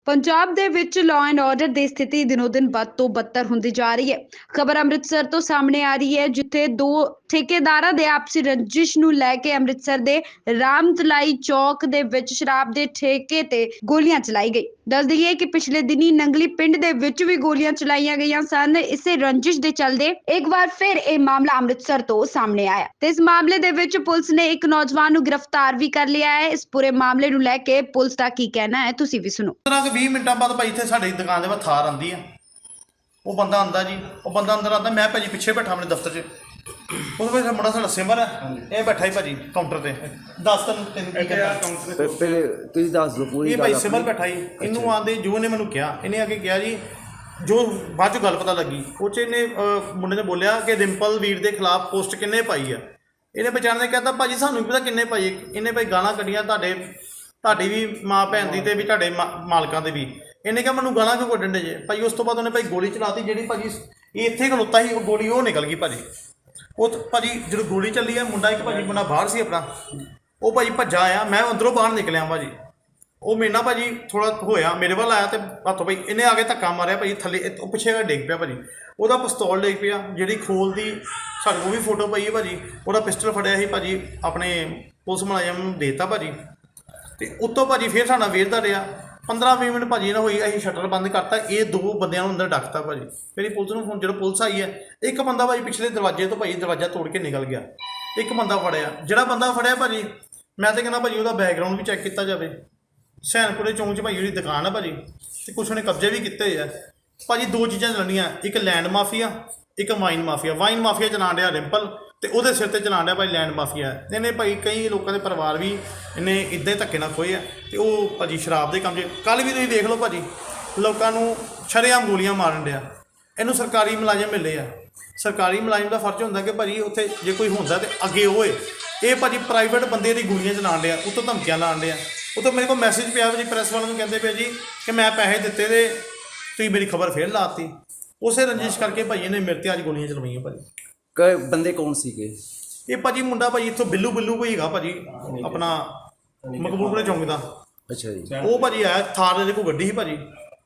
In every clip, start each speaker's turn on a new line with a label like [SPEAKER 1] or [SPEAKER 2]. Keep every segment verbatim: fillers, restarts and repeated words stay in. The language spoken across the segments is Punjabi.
[SPEAKER 1] ਪੰਜਾਬ ਦੇ ਵਿੱਚ ਲਾਅ ਐਂਡ ਆਰਡਰ ਦੀ ਸਥਿਤੀ ਦਿਨੋ ਦਿਨ ਵੱਧ ਤੋਂ ਬੱਤਰ ਹੁੰਦੀ ਜਾ ਰਹੀ ਹੈ। ਖਬਰ ਅੰਮ੍ਰਿਤਸਰ ਤੋਂ ਸਾਹਮਣੇ ਆ ਰਹੀ ਹੈ, ਜਿੱਥੇ ਦੋ ਠੇਕੇਦਾਰਾਂ ਦੇ ਆਪਸੀ ਰੰਜਿਸ਼ ਨੂੰ ਲੈ ਕੇ ਅੰਮ੍ਰਿਤਸਰ ਦੇ ਰਾਮਤਲਾਈ ਚੌਕ ਦੇ ਵਿੱਚ ਸ਼ਰਾਬ ਦੇ ਠੇਕੇ ਤੇ ਗੋਲੀਆਂ ਚਲਾਈ ਗਈ। ਦੱਸ ਦਈਏ ਕਿ ਪਿਛਲੇ ਦਿਨੀ ਨੰਗਲੀ ਪਿੰਡ ਦੇ ਵਿੱਚ ਵੀ ਗੋਲੀਆਂ ਚਲਾਈਆਂ ਗਈਆਂ ਸਨ। ਇਸੇ ਰੰਜਿਸ਼ ਦੇ ਚੱਲਦੇ ਇੱਕ ਵਾਰ ਫਿਰ ਇਹ ਮਾਮਲਾ ਅੰਮ੍ਰਿਤਸਰ ਤੋਂ ਸਾਹਮਣੇ ਆਇਆ ਤੇ ਇਸ ਮਾਮਲੇ ਦੇ ਵਿੱਚ ਪੁਲਿਸ ਨੇ ਇੱਕ ਨੌਜਵਾਨ ਨੂੰ ਗ੍ਰਿਫਤਾਰ ਵੀ ਕਰ ਲਿਆ ਹੈ। ਇਸ ਪੂਰੇ ਮਾਮਲੇ ਨੂੰ ਲੈ ਕੇ ਪੁਲਿਸ ਦਾ ਕੀ ਕਹਿਣਾ ਹੈ, ਤੁਸੀਂ ਵੀ ਸੁਣੋ।
[SPEAKER 2] ਵੀਹ ਮਿੰਟਾਂ ਬਾਅਦ ਭਾਈ ਇੱਥੇ ਸਾਡੀ ਦੁਕਾਨ ਦੇ ਬਾਹਰ ਥਾਰ ਆਉਂਦੀ ਆ। ਉਹ ਬੰਦਾ ਆਉਂਦਾ ਜੀ, ਉਹ ਬੰਦਾ ਅੰਦਰ ਆਉਂਦਾ, ਮੈਂ ਭਾਜੀ ਪਿੱਛੇ ਬੈਠਾ ਆਪਣੇ ਦਫ਼ਤਰ 'ਚ। ਉਹਦੇ ਵਿੱਚ ਮੁੰਡਾ ਸਾਡਾ ਸਿਮਰ ਹੈ, ਇਹ ਬੈਠਾ ਹੀ ਭਾਜੀ ਕਾਊਂਟਰ ਤੇ। ਦੱਸ ਤੈਨੂੰ ਤੈਨੂੰ ਕੀ ਕਹਿੰਦਾ
[SPEAKER 3] ਪਹਿਲੇ ਤੁਸੀਂ ਦੱਸ ਦਿਓ ਪੂਰੀ
[SPEAKER 2] ਇਹ
[SPEAKER 3] ਗੱਲ।
[SPEAKER 2] ਭਾਈ ਸਿਮਰ ਬੈਠਾ ਹੀ, ਇਹਨੂੰ ਆਉਂਦੇ ਜੋ ਨੇ ਮੈਨੂੰ ਕਿਹਾ, ਇਹਨੇ ਆ ਕੇ ਕਿਹਾ ਜੀ, ਜੋ ਬਾਅਦ 'ਚੋਂ ਗੱਲ ਪਤਾ ਲੱਗੀ ਉਹ 'ਚ ਇਹਨੇ ਮੁੰਡੇ ਨੇ ਬੋਲਿਆ ਕਿ ਰਿੰਪਲ ਵੀਰ ਦੇ ਖਿਲਾਫ ਪੋਸਟ ਕਿੰਨੇ ਪਾਈ ਆ। ਇਹਨੇ ਬਚਾਉਣ ਨੇ ਕਹਿੰਦਾ ਭਾਜੀ ਸਾਨੂੰ ਵੀ ਪਤਾ ਕਿੰਨੇ ਪਾਈ। ਇਹਨੇ ਭਾਈ ਗਾਲਾਂ ਕੱਢੀਆਂ ਤੁਹਾਡੇ ਤੁਹਾਡੀ ਵੀ ਮਾਂ ਭੈਣ ਦੀ ਤੇ ਵੀ ਤੁਹਾਡੇ ਮਾਲਕਾਂ ਦੇ ਵੀ। ਇਹਨੇ ਕਿਹਾ ਮੈਨੂੰ ਗਾਲਾਂ ਕਿਉਂ ਕੱਢਣ ਦੇ ਜੇ ਭਾਈ। ਉਸ ਤੋਂ ਬਾਅਦ ਉਹਨੇ ਭਾਈ ਗੋਲੀ ਚਲਾਤੀ, ਜਿਹੜੀ ਭਾਜੀ ਇਹ ਇੱਥੇ ਖਲੋਤਾ ਸੀ, ਉਹ ਗੋਲੀ ਉਹ ਨਿਕਲ ਗਈ ਭਾਜੀ। ਉਹ ਭਾਜੀ ਜਦੋਂ ਗੋਲੀ ਚੱਲੀ ਆ, ਮੁੰਡਾ ਇੱਕ ਭਾਜੀ ਮੁੰਡਾ ਬਾਹਰ ਸੀ ਆਪਣਾ, ਉਹ ਭਾਜੀ ਭੱਜਾ ਆਇਆ, ਮੈਂ ਅੰਦਰੋਂ ਬਾਹਰ ਨਿਕਲਿਆ ਭਾਜੀ। ਉਹ ਮੇਰੇ ਨਾਲ ਭਾਜੀ ਥੋੜ੍ਹਾ ਹੋਇਆ, ਮੇਰੇ ਵੱਲ ਆਇਆ ਤੇ ਹੱਥੋਂ ਭਾਈ ਇਹਨੇ ਆ ਕੇ ਧੱਕਾ ਮਾਰਿਆ ਭਾਜੀ ਥੱਲੇ, ਉਹ ਪਿੱਛੇ ਡਿੱਗ ਪਿਆ ਭਾਜੀ। ਉਹਦਾ ਪਿਸਤੌਲ ਡਿੱਗ ਪਿਆ, ਜਿਹੜੀ ਖੋਲ ਦੀ ਸਾਡੇ ਕੋਲ ਵੀ ਫੋਟੋ ਪਈ ਹੈ ਭਾਜੀ। ਉਹਦਾ ਪਿਸਟਲ ਫੜਿਆ ਸੀ ਭਾਜੀ, ਆਪਣੇ ਪੁਲਿਸ ਮੁਲਾਜ਼ਮ ਨੂੰ ਦੇ ਦਿੱਤਾ ਭਾਜੀ। ਅਤੇ ਉੱਤੋਂ ਭਾਜੀ ਫਿਰ ਸਾਡਾ ਵੇਰਦਾ ਰਿਹਾ ਪੰਦਰਾਂ ਵੀਹ ਮਿੰਟ ਭਾਜੀ ਨਾ ਹੋਈ, ਅਸੀਂ ਸ਼ਟਰ ਬੰਦ ਕਰਤਾ। ਇਹ ਦੋ ਬੰਦਿਆਂ ਨੂੰ ਅੰਦਰ ਡੱਕਤਾ ਭਾਜੀ। ਫਿਰ ਪੁਲਿਸ ਨੂੰ ਫੋਨ, ਜਦੋਂ ਪੁਲਿਸ ਆਈ ਹੈ, ਇੱਕ ਬੰਦਾ ਭਾਜੀ ਪਿਛਲੇ ਦਰਵਾਜ਼ੇ ਤੋਂ ਭਾਜੀ ਦਰਵਾਜ਼ਾ ਤੋੜ ਕੇ ਨਿਕਲ ਗਿਆ। ਇੱਕ ਬੰਦਾ ਫੜਿਆ, ਜਿਹੜਾ ਬੰਦਾ ਫੜਿਆ ਭਾਜੀ ਮੈਂ ਤਾਂ ਕਹਿੰਦਾ ਭਾਜੀ ਉਹਦਾ ਬੈਕਗਰਾਊਂਡ ਵੀ ਚੈੱਕ ਕੀਤਾ ਜਾਵੇ। ਸੈਨਪੁਰੇ ਚੌਂਕ 'ਚ ਭਾਜੀ ਉਹਦੀ ਦੁਕਾਨ ਆ ਭਾਜੀ, ਅਤੇ ਕੁਛ ਉਹਨੇ ਕਬਜ਼ੇ ਵੀ ਕੀਤੇ ਹੋਏ ਆ ਭਾਜੀ। ਦੋ ਚੀਜ਼ਾਂ ਚੱਲਣੀਆਂ, ਇੱਕ ਲੈਂਡ ਮਾਫੀਆ, ਇੱਕ ਵਾਈਨ ਮਾਫੀਆ। ਵਾਈਨ ਮਾਫੀਆ ਚਲਾਉਣ ਡਿਆ ਰਿੰਪਲ, ਅਤੇ ਉਹਦੇ ਸਿਰ 'ਤੇ ਚਲਾਉਣ ਡਿਆ ਭਾਈ ਲੈਂਡ ਮਾਫੀਆ। ਇਹਨੇ ਭਾਈ ਕਈ ਲੋਕਾਂ ਦੇ ਪਰਿਵਾਰ ਵੀ ਇਹਨੇ ਇੱਦਾਂ ਹੀ ਧੱਕੇ ਨਾਲ ਖੋਏ ਆ, ਅਤੇ ਉਹ ਭਾਜੀ ਸ਼ਰਾਬ ਦੇ ਕੰਮ 'ਚ। ਕੱਲ੍ਹ ਵੀ ਤੁਸੀਂ ਦੇਖ ਲਓ ਭਾਜੀ, ਲੋਕਾਂ ਨੂੰ ਸ਼ਰੇਆਮ ਗੋਲੀਆਂ ਮਾਰਨ ਡਿਆ। ਇਹਨੂੰ ਸਰਕਾਰੀ ਮੁਲਾਜ਼ਮ ਮਿਲੇ ਆ। ਸਰਕਾਰੀ ਮੁਲਾਜ਼ਮ ਦਾ ਫਰਜ਼ ਹੁੰਦਾ ਕਿ ਭਾਜੀ ਉੱਥੇ ਜੇ ਕੋਈ ਹੁੰਦਾ ਤਾਂ ਅੱਗੇ ਹੋਏ। ਇਹ ਭਾਜੀ ਪ੍ਰਾਈਵੇਟ ਬੰਦੇ ਦੀ ਗੋਲੀਆਂ ਚਲਾਉਣ ਡਿਆ, ਉੱਤੋਂ ਧਮਕੀਆਂ ਲਾਉਣ ਡਿਆ। ਉੱਤੋਂ ਮੇਰੇ ਕੋਲ ਮੈਸੇਜ ਪਿਆ ਭਾਜੀ ਪ੍ਰੈਸ ਵਾਲਿਆਂ ਨੂੰ, ਕਹਿੰਦੇ ਪਿਆ ਜੀ ਕਿ ਮੈਂ ਪੈਸੇ ਦਿੱਤੇ ਅਤੇ ਤੁਸੀਂ ਮੇਰੀ ਖਬਰ ਫਿਰ ਲਾਤੀ। ਉਸੇ ਰੰਜਿਸ਼ ਕਰਕੇ ਭਾਈ ਇਹਨੇ ਮੇਰੇ 'ਤੇ ਅੱਜ ਗੋਲੀਆਂ ਚਲਵਾਈਆਂ ਭਾਜੀ।
[SPEAKER 3] ਕ ਬੰਦੇ ਕੌਣ ਸੀਗੇ
[SPEAKER 2] ਇਹ ਭਾਜੀ? ਮੁੰਡਾ ਭਾਜੀ ਇੱਥੋਂ ਬਿੱਲੂ ਬਿੱਲੂ ਕੋਈ ਹੈਗਾ ਭਾਜੀ, ਆਪਣਾ ਮਕਬੂਲਪੁਰੇ ਚੌਂਕ ਦਾ।
[SPEAKER 3] ਅੱਛਾ ਜੀ।
[SPEAKER 2] ਉਹ ਭਾਜੀ ਆਇਆ, ਥਾਰ ਦੇ ਕੋਲ ਗੱਡੀ ਸੀ ਭਾਜੀ,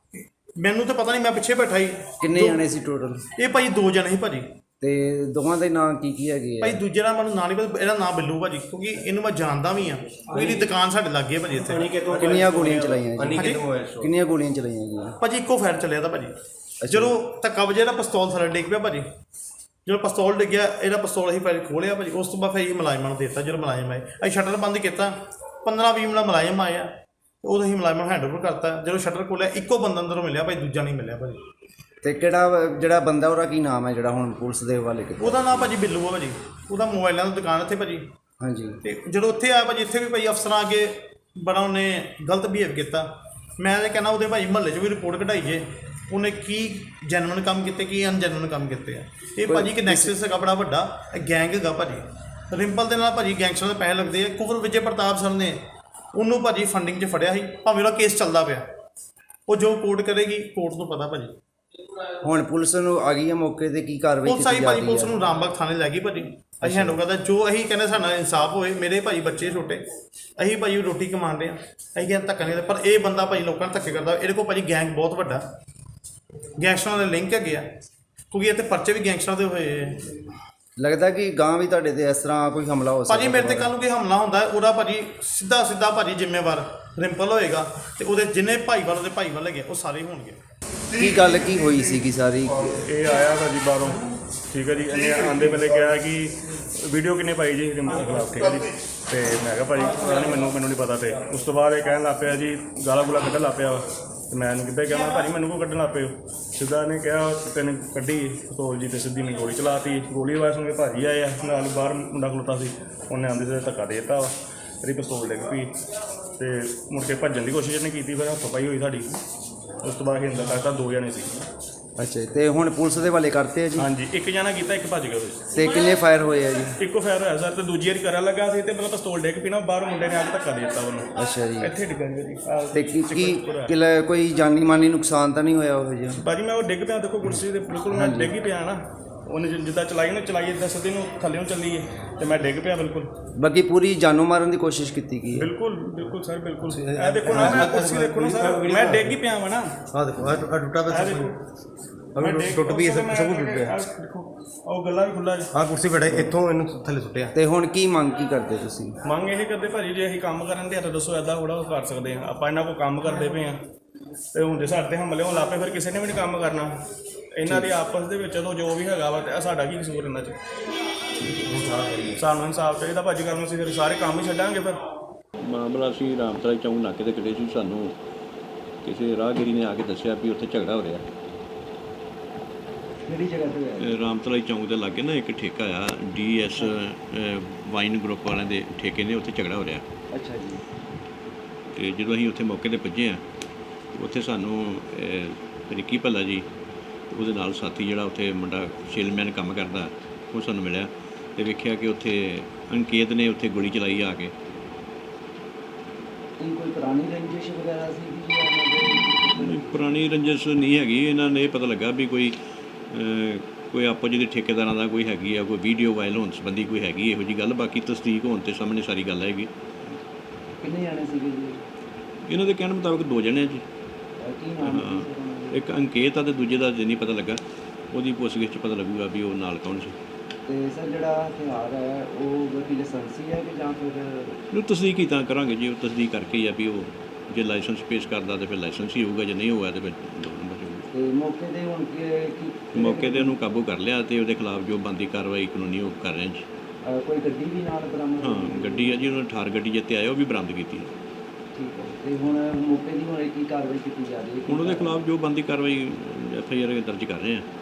[SPEAKER 2] ਮੈਨੂੰ ਤਾਂ ਪਤਾ ਨਹੀਂ, ਮੈਂ ਪਿੱਛੇ ਬੈਠਾ ਸੀ।
[SPEAKER 3] ਕਿੰਨੇ ਜਣੇ ਸੀ ਟੋਟਲ?
[SPEAKER 2] ਇਹ ਭਾਜੀ ਦੋ ਜਣੇ ਸੀ ਭਾਜੀ।
[SPEAKER 3] ਤੇ ਦੋਵਾਂ ਦੇ ਨਾਂ ਕੀ ਕੀ ਹੈਗੇ
[SPEAKER 2] ਭਾਈ? ਦੂਜੇ ਦਾ ਮੈਨੂੰ ਨਾਂ ਨਹੀਂ ਪਤਾ, ਇਹਦਾ ਨਾਂ ਬਿੱਲੂ ਭਾਜੀ, ਕਿਉਂਕਿ ਇਹਨੂੰ ਮੈਂ ਜਾਣਦਾ ਵੀ ਹਾਂ, ਕਿਉਂਕਿ ਇਹਦੀ ਦੁਕਾਨ ਸਾਡੇ ਲਾਗੇ ਭਾਜੀ ਇੱਥੇ।
[SPEAKER 3] ਕਿੰਨੀਆਂ ਗੋਲੀਆਂ ਚਲਾਈਆਂ ਜੀ? ਕਿੰਨੀਆਂ ਗੋਲੀਆਂ ਚਲਾਈਆਂ ਗਈਆਂ
[SPEAKER 2] ਭਾਜੀ? ਇੱਕੋ ਫਾਇਰ ਚੱਲਿਆ ਤਾਂ ਭਾਜੀ। ਜਦੋਂ ਧੱਕਾ ਵਜੇ ਦਾ ਪਿਸਤੌਲ ਥੱਲੇ ਡਿੱਗ ਪਿਆ ਭਾਜੀ। ਜਦੋਂ ਪਿਸਤੌਲ ਡਿੱਗਿਆ, ਇਹਦਾ ਪਿਸਤੌਲ ਅਸੀਂ ਭਾਜੀ ਖੋਲ੍ਹਿਆ ਭਾਜੀ। ਉਸ ਤੋਂ ਬਾਅਦ ਫਿਰ ਇਹ ਮੁਲਾਜ਼ਮਾਂ ਨੂੰ ਦੇ ਦਿੱਤਾ। ਜਦੋਂ ਮੁਲਾਜ਼ਮ ਆਏ, ਅਸੀਂ ਸ਼ਟਰ ਬੰਦ ਕੀਤਾ, ਪੰਦਰਾਂ ਵੀਹ ਮਿੰਟ ਮੁਲਾਜ਼ਮ ਆਏ ਆ, ਉਦੋਂ ਅਸੀਂ ਮੁਲਾਜ਼ਮਾਂ ਨੂੰ ਹੈਂਡਓਵਰ ਕਰਤਾ। ਜਦੋਂ ਸ਼ਟਰ ਖੋਲ੍ਹਿਆ, ਇੱਕੋ ਬੰਦਾ ਅੰਦਰੋਂ ਮਿਲਿਆ ਭਾਈ, ਦੂਜਾ ਨਹੀਂ ਮਿਲਿਆ ਭਾਜੀ।
[SPEAKER 3] ਤੇ ਕਿਹੜਾ ਜਿਹੜਾ ਬੰਦਾ, ਉਹਦਾ ਕੀ ਨਾਮ ਹੈ ਜਿਹੜਾ ਹੁਣ ਪੁਲਿਸ ਦੇ ਹਵਾਲੇ ਕੀਤਾ?
[SPEAKER 2] ਉਹਦਾ ਨਾਮ ਭਾਜੀ ਬਿੱਲੂ ਆ ਭਾਜੀ। ਉਹਦਾ ਮੋਬਾਈਲਾਂ ਦੀ ਦੁਕਾਨ ਇੱਥੇ ਭਾਜੀ।
[SPEAKER 3] ਹਾਂਜੀ।
[SPEAKER 2] ਅਤੇ ਜਦੋਂ ਉੱਥੇ ਆਇਆ ਭਾਜੀ, ਇੱਥੇ ਵੀ ਭਾਈ ਅਫਸਰਾਂ ਅੱਗੇ ਬੜਾ ਉਹਨੇ ਗਲਤ ਬਿਹੇਵ ਕੀਤਾ। ਮੈਂ ਤਾਂ ਕਹਿੰਦਾ ਉਹਦੇ ਭਾਈ ਮਹੱਲੇ 'ਚ ਵੀ ਰਿਪੋਰਟ ਕਢਾਈ ਜੇ, ਉਹਨੇ ਕੀ ਜੈਨੂਅਨ ਕੰਮ ਕੀਤੇ, ਕੀ ਅਨਜੈਨੂਅਨ ਕੰਮ ਕੀਤੇ ਆ। ਇਹ ਭਾਜੀ ਇੱਕ ਨੈਕਸਸ ਹੈਗਾ ਬੜਾ ਵੱਡਾ, ਇਹ ਗੈਂਗ ਹੈਗਾ ਭਾਜੀ। ਰਿੰਪਲ ਦੇ ਨਾਲ ਭਾਜੀ ਗੈਂਗਸਟਰ ਦੇ ਪੈਸੇ ਲੱਗਦੇ ਆ। ਕੁਵਰ ਵਿਜੇ ਪ੍ਰਤਾਪ ਸਰ ਨੇ ਉਹਨੂੰ ਭਾਜੀ ਫੰਡਿੰਗ 'ਚ ਫੜਿਆ ਸੀ, ਭਾਵੇਂ ਉਹਦਾ ਕੇਸ ਚੱਲਦਾ ਪਿਆ। ਉਹ ਜੋ ਕੋਰਟ ਕਰੇਗੀ, ਕੋਰਟ ਨੂੰ ਪਤਾ ਭਾਜੀ।
[SPEAKER 3] ਹੁਣ ਪੁਲਿਸ ਨੂੰ ਆ ਗਈ ਹੈ ਮੌਕੇ 'ਤੇ, ਕੀ ਕਾਰਵਾਈ
[SPEAKER 2] ਪੁਲਿਸ ਆਈ ਭਾਜੀ, ਪੁਲਿਸ ਨੂੰ ਰਾਮਬਾਗ ਥਾਣੇ ਲੈ ਗਈ ਭਾਜੀ। ਅਸੀਂ ਹੈਂਡਓਵਰ ਕਰਦਾ, ਜੋ ਅਸੀਂ ਕਹਿੰਦੇ ਸਾਡਾ ਇਨਸਾਫ ਹੋਏ। ਮੇਰੇ ਭਾਜੀ ਬੱਚੇ ਛੋਟੇ, ਅਸੀਂ ਭਾਜੀ ਰੋਟੀ ਕਮਾਉਣ ਰਹੇ ਹਾਂ, ਅਸੀਂ ਕਹਿੰਦੇ ਧੱਕਾ ਨਹੀਂ। ਪਰ ਇਹ ਬੰਦਾ ਭਾਜੀ ਲੋਕਾਂ ਨੂੰ ਧੱਕੇ ਕਰਦਾ। ਇਹਦੇ ਕੋਲ ਭਾਜੀ ਗੈਂਗ ਬਹੁਤ ਵੱਡਾ, ਗੈਂਗਸਟਰਾਂ ਦੇ ਲਿੰਕ ਹੈਗੇ ਆ, ਕਿਉਂਕਿ ਇੱਥੇ ਪਰਚੇ ਵੀ ਗੈਂਗਸਟਰਾਂ ਦੇ ਹੋਏ।
[SPEAKER 3] ਲੱਗਦਾ ਕਿ ਗਾਂ ਵੀ ਤੁਹਾਡੇ 'ਤੇ ਇਸ ਤਰ੍ਹਾਂ ਕੋਈ ਹਮਲਾ ਹੋ ਸਕਦਾ
[SPEAKER 2] ਭਾਜੀ? ਮੇਰੇ 'ਤੇ ਕੱਲ੍ਹ ਨੂੰ ਕੋਈ ਹਮਲਾ ਹੁੰਦਾ, ਉਹਦਾ ਭਾਜੀ ਸਿੱਧਾ ਸਿੱਧਾ ਭਾਜੀ ਜ਼ਿੰਮੇਵਾਰ ਰਿੰਪਲ ਹੋਏਗਾ, ਅਤੇ ਉਹਦੇ ਜਿੰਨੇ ਭਾਈਵਾਲ ਉਹਦੇ ਭਾਈਵਾਲ ਹੈਗੇ ਉਹ ਸਾਰੇ ਹੋਣਗੇ।
[SPEAKER 3] ਕੀ ਗੱਲ ਕੀ ਹੋਈ ਸੀਗੀ ਸਾਰੀ?
[SPEAKER 4] ਇਹ ਆਇਆ ਭਾਜੀ ਬਾਹਰੋਂ, ਠੀਕ ਹੈ ਜੀ। ਇਹਨੇ ਆਉਂਦੇ ਵੇਲੇ ਕਿਹਾ ਕਿ ਵੀਡੀਓ ਕਿੰਨੇ ਪਾਈ ਜੀ ਰਿੰਪਲ ਖਿਲਾਫ, ਠੀਕ ਹੈ ਜੀ। ਅਤੇ ਮੈਂ ਕਿਹਾ ਭਾਜੀ ਪਤਾ ਨਹੀਂ, ਮੈਨੂੰ ਮੈਨੂੰ ਨਹੀਂ ਪਤਾ। ਅਤੇ ਉਸ ਤੋਂ ਬਾਅਦ ਇਹ ਕਹਿਣ ਲੱਗ ਪਿਆ ਜੀ, ਗਾਲਾਂ ਗੁਲਾ ਕੱਢਣ ਲੱਗ ਪਿਆ। ਅਤੇ ਮੈਂ ਇਹਨੂੰ ਕਿੱਦਾਂ ਕਿਹਾ, ਭਾਜੀ ਮੈਨੂੰ ਕੋ ਕੱਢਣ ਲੱਗ ਪਏ ਹੋ? ਸਿੱਧਾ ਇਹਨੇ ਕਿਹਾ ਤੈਨੂੰ ਕੱਢੀ ਪਿਸਤੌਲ ਜੀ, ਅਤੇ ਸਿੱਧੀ ਮੈਨੂੰ ਗੋਲੀ ਚਲਾਤੀ। ਗੋਲੀ ਆਵਾਜ਼ ਸੁਣ ਕੇ ਭਾਜੀ ਆਏ ਆ, ਨਾਲ ਬਾਹਰ ਮੁੰਡਾ ਖਲੋਤਾ ਸੀ, ਉਹਨੇ ਆਉਂਦੇ ਤੇ ਧੱਕਾ ਦੇ ਦਿੱਤਾ ਵਾ, ਇਹਦੀ ਪਿਸਤੌਲ ਡਿੱਗ ਪਈ। ਅਤੇ ਮੁੜ ਕੇ ਭੱਜਣ ਦੀ ਕੋਸ਼ਿਸ਼ ਇਹਨੇ ਕੀਤੀ, ਫਿਰ ਹੱਥੋਂ ਪਾਈ ਹੋਈ ਸਾਡੀ। ਉਸ ਤੋਂ ਬਾਅਦ ਹਿੰਦਾ ਕਰਤਾ, ਦੋ ਜਣੇ ਸੀ।
[SPEAKER 3] ਅੱਛਾ, ਤੇ ਹੁਣ ਪੁਲਿਸ ਦੇ ਹਵਾਲੇ ਕਰਤੇ ਆ ਜੀ?
[SPEAKER 4] ਹਾਂਜੀ, ਇੱਕ ਜਣਾ ਕੀਤਾ, ਇੱਕ ਭੱਜ ਗਿਆ ਵਿੱਚ।
[SPEAKER 3] ਤੇ ਕਿੰਨੇ ਫਾਇਰ ਹੋਏ ਆ ਜੀ?
[SPEAKER 4] ਇੱਕੋ ਫਾਇਰ ਹੋਇਆ ਸਰ, ਤੇ ਦੂਜੀ ਵਾਰੀ ਕਰਨ ਲੱਗਾ ਸੀ, ਤੇ ਮਤਲਬ ਪਿਸਤੌਲ ਡਿੱਗ ਪਈ ਨਾ, ਬਾਹਰ ਮੁੰਡੇ ਨੇ ਆ ਕੇ ਧੱਕਾ ਦੇ ਦਿੱਤਾ ਉਹਨੂੰ।
[SPEAKER 3] ਅੱਛਾ ਜੀ।
[SPEAKER 4] ਇੱਥੇ ਡਿੱਗਾ ਜੀ।
[SPEAKER 3] ਤੇ ਕੀ ਕੀ ਕੋਈ ਜਾਨੀ ਮਾਨੀ ਨੁਕਸਾਨ ਤਾਂ ਨਹੀਂ ਹੋਇਆ ਉਹ ਜੀ?
[SPEAKER 4] ਭਾਜੀ ਮੈਂ ਉਹ ਡਿੱਗ ਪਿਆ, ਦੇਖੋ ਕੁਰਸੀ ਦੇ ਬਿਲਕੁਲ ਮੈਂ ਡਿੱਗ ਹੀ ਪਿਆ ਨਾ, ਉਹਨੇ ਜਿ- ਜਿੱਦਾਂ ਚਲਾਈ ਨਾ ਚਲਾਈ ਇੱਦਾਂ ਸਿੱਧੇ ਨੂੰ ਥੱਲੇ ਨੂੰ ਚੱਲੀ ਹੈ ਤੇ ਮੈਂ ਡਿੱਗ ਪਿਆ ਬਿਲਕੁਲ
[SPEAKER 3] ਬਾਕੀ ਪੂਰੀ ਜਾਨੋਂ ਮਾਰਨ ਦੀ ਕੋਸ਼ਿਸ਼ ਕੀਤੀ ਗਈ ਹੈ।
[SPEAKER 4] ਬਿਲਕੁਲ ਬਿਲਕੁਲ ਸਰ ਬਿਲਕੁਲ ਇਹ ਦੇਖੋ ਨਾ ਮੈਂ ਕੁਰਸੀ ਦੇਖੋ ਨਾ ਸਰ ਮੈਂ ਡਿੱਗ ਹੀ ਪਿਆ ਵਾ ਨਾ
[SPEAKER 5] ਆਹ ਦੇਖੋ ਆਹ ਟੁੱਟਾ ਪਿਆ
[SPEAKER 4] ਇਹ ਦੇਖੋ
[SPEAKER 5] ਅਗਰ ਟੁੱਟ ਵੀ ਸਭ ਸਭ ਕੁਝ ਟੁੱਟ ਗਿਆ
[SPEAKER 4] ਆਹ ਦੇਖੋ ਉਹ ਗੱਲਾਂ ਵੀ ਖੁੱਲਾ
[SPEAKER 5] ਆਹ ਕੁਰਸੀ ਬੈਠੇ ਇੱਥੋਂ ਇਹਨੂੰ ਥੱਲੇ ਸੁੱਟਿਆ
[SPEAKER 3] ਤੇ ਹੁਣ ਕੀ ਮੰਗ ਕੀ ਕਰਦੇ ਤੁਸੀਂ?
[SPEAKER 4] ਮੰਗ ਇਹ ਕਰਦੇ ਭਾਜੀ ਜੇ ਅਸੀਂ ਕੰਮ ਕਰਨ ਦੇ ਤਾਂ ਦੱਸੋ ਐਦਾਂ ਥੋੜਾ ਕਰ ਸਕਦੇ ਆ ਆਪਾਂ ਇਹਨਾਂ ਕੋਲ ਕੰਮ ਕਰਦੇ ਪਏ ਆ ਤੇ ਹੁਣ ਜੇ ਸਾਡੇ ਤੇ ਹਮਲੇ ਹੋਣ ਲੱਗ ਪਏ ਫਿਰ ਕਿਸੇ ਨੇ ਵੀ ਨਹੀਂ ਕੰਮ ਕਰਨਾ ਇਹਨਾਂ ਦੀ ਆਪਸ ਦੇ ਵਿੱਚ ਚਲੋ ਜੋ ਵੀ ਹੈਗਾ ਵਾ ਤੇ ਸਾਡਾ ਕੀ ਕਸੂਰ ਇਹਨਾਂ 'ਚ ਸਾਨੂੰ ਇਨਸਾਫ ਚਾਹੀਦਾ ਭਾਜੀ ਕਰਨ ਅਸੀਂ ਫਿਰ ਸਾਰੇ ਕੰਮ ਹੀ ਛੱਡਾਂਗੇ ਫਿਰ
[SPEAKER 6] ਮਾਮਲਾ ਅਸੀਂ ਰਾਮਤਲਾ ਚੌਂਕ ਨਾਕੇ ਤੇ ਖੜੇ ਸੀ ਸਾਨੂੰ ਕਿਸੇ ਰਾਹਗੀਰੀ ਨੇ ਆ ਕੇ ਦੱਸਿਆ ਵੀ ਉੱਥੇ ਝਗੜਾ ਹੋ ਰਿਹਾ
[SPEAKER 3] ਕਿਹੜੀ ਜਗ੍ਹਾ ਤੇ ਹੋਇਆ?
[SPEAKER 6] ਰਾਮਤਲਾ ਚੌਂਕ ਦੇ ਲਾਗੇ ਨਾ ਇੱਕ ਠੇਕਾ ਆ ਡੀ ਐਸ ਵਾਈਨ ਗਰੁੱਪ ਵਾਲਿਆਂ ਦੇ ਠੇਕੇ ਨੇ ਉੱਥੇ ਝਗੜਾ ਹੋ ਰਿਹਾ
[SPEAKER 3] ਅੱਛਾ ਜੀ।
[SPEAKER 6] ਤੇ ਜਦੋਂ ਅਸੀਂ ਉੱਥੇ ਮੌਕੇ ਤੇ ਪੁੱਜੇ ਆ ਉੱਥੇ ਸਾਨੂੰ ਰਿੱਕੀ ਭੱਲਾ ਜੀ ਉਹਦੇ ਨਾਲ ਸਾਥੀ ਜਿਹੜਾ ਉੱਥੇ ਮੁੰਡਾ ਸੇਲਮੈਨ ਕੰਮ ਕਰਦਾ ਉਹ ਸਾਨੂੰ ਮਿਲਿਆ ਤੇ ਵੇਖਿਆ ਕਿ ਉੱਥੇ ਅੰਕੇਤ ਨੇ ਉੱਥੇ ਗੋਲੀ ਚਲਾਈ ਆ ਕੇ
[SPEAKER 3] ਕੀ ਕੋਈ ਪੁਰਾਣੀ ਰੰਜਿਸ਼ ਵਗੈਰਾ ਸੀ ਕਿ
[SPEAKER 6] ਨਹੀਂ, ਪੁਰਾਣੀ ਰੰਜਿਸ਼ ਨਹੀਂ ਹੈਗੀ ਇਹਨਾਂ ਨੇ ਇਹ ਪਤਾ ਲੱਗਾ ਵੀ ਕੋਈ ਅਹ, ਕੋਈ ਆਪੋ ਜਿਹੇ ਠੇਕੇਦਾਰਾਂ ਦਾ ਕੋਈ ਹੈਗੀ ਆ ਕੋਈ ਵੀਡੀਓ ਵਾਇਰਲ ਹੋਣ ਸੰਬੰਧੀ ਕੋਈ ਹੈਗੀ ਇਹੋ ਜਿਹੀ ਗੱਲ ਬਾਕੀ ਤਸਦੀਕ ਹੋਣ ਤੇ ਸਾਹਮਣੇ ਸਾਰੀ ਗੱਲ ਆਏਗੀ।
[SPEAKER 3] ਕਿੰਨੇ ਜਾਣੇ ਸੀਗੇ ਜੀ?
[SPEAKER 6] ਇਹਨਾਂ ਦੇ ਕਹਿਣ ਮੁਤਾਬਕ ਦੋ ਜਣੇ ਆ ਜੀ
[SPEAKER 3] ਕੀ ਨਾਮ
[SPEAKER 6] ਹਾਂ, ਇੱਕ ਅੰਕੇਤ ਆ ਤੇ ਦੂਜੇ ਦਾ ਜੇ ਨਹੀਂ ਪਤਾ ਲੱਗਾ ਉਹਦੀ ਪੁੱਛਗਿੱਛ 'ਚ ਪਤਾ ਲੱਗੂਗਾ ਵੀ ਉਹ ਨਾਲ ਕੌਣ ਸੀ।
[SPEAKER 3] ਤੇ ਸਰ ਜਿਹੜਾ ਹਥਿਆਰ ਹੈ ਉਹ ਵਕੀ ਲਾਇਸੈਂਸੀ ਹੈ ਕਿ ਜਾਂ ਫਿਰ
[SPEAKER 6] ਨੂੰ ਤਸਦੀਕ ਹੀ ਤਾਂ ਕਰਾਂਗੇ ਜੀ ਉਹ ਤਸਦੀਕ ਕਰਕੇ ਹੀ ਆ ਵੀ ਉਹ ਜੇ ਲਾਇਸੈਂਸ ਪੇਸ਼ ਕਰਦਾ ਤੇ ਫਿਰ ਲਾਇਸੈਂਸ ਹੀ ਹੋਊਗਾ ਜੇ ਨਹੀਂ ਹੋਇਆ ਤੇ ਫਿਰ ਦੋ ਨੰਬਰ 'ਚ ਹੋਊਗਾ।
[SPEAKER 3] ਤੇ ਮੌਕੇ ਤੇ ਹੁਣ ਕੀ ਕੀ
[SPEAKER 6] ਮੌਕੇ ਤੇ ਉਹਨੂੰ ਕਾਬੂ ਕਰ ਲਿਆ ਤੇ ਉਹਦੇ ਖਿਲਾਫ ਜੋ ਬਣਦੀ ਕਾਰਵਾਈ ਕਾਨੂੰਨੀ ਉਹ ਕਰ ਰਹੇ ਜੀ।
[SPEAKER 3] ਅਹ ਕੋਈ ਗੱਡੀ ਵੀ ਨਾਲ ਬਰਾਮਦ
[SPEAKER 6] ਹਾਂ
[SPEAKER 3] ਹੋਈ?
[SPEAKER 6] ਗੱਡੀ ਆ ਜੀ ਉਹਨਾਂ ਠਾਰ ਗੱਡੀ ਜਿੱਤੇ ਆਏ ਉਹ ਵੀ ਬਰਾਮਦ ਕੀਤੀ ਹੈ।
[SPEAKER 3] ਠੀਕ ਹੈ। ਤੇ ਹੁਣ ਮੌਕੇ ਦੀ ਹੁਣ ਕੀ ਕਾਰਵਾਈ ਕੀਤੀ ਜਾ ਰਹੀ ਹੈ?
[SPEAKER 6] ਹੁਣ ਉਹਦੇ ਖਿਲਾਫ ਜੋ ਬਣਦੀ ਕਾਰਵਾਈ ਐਫ ਆਈ ਆਰ ਦਰਜ ਕਰ ਰਹੇ ਆ।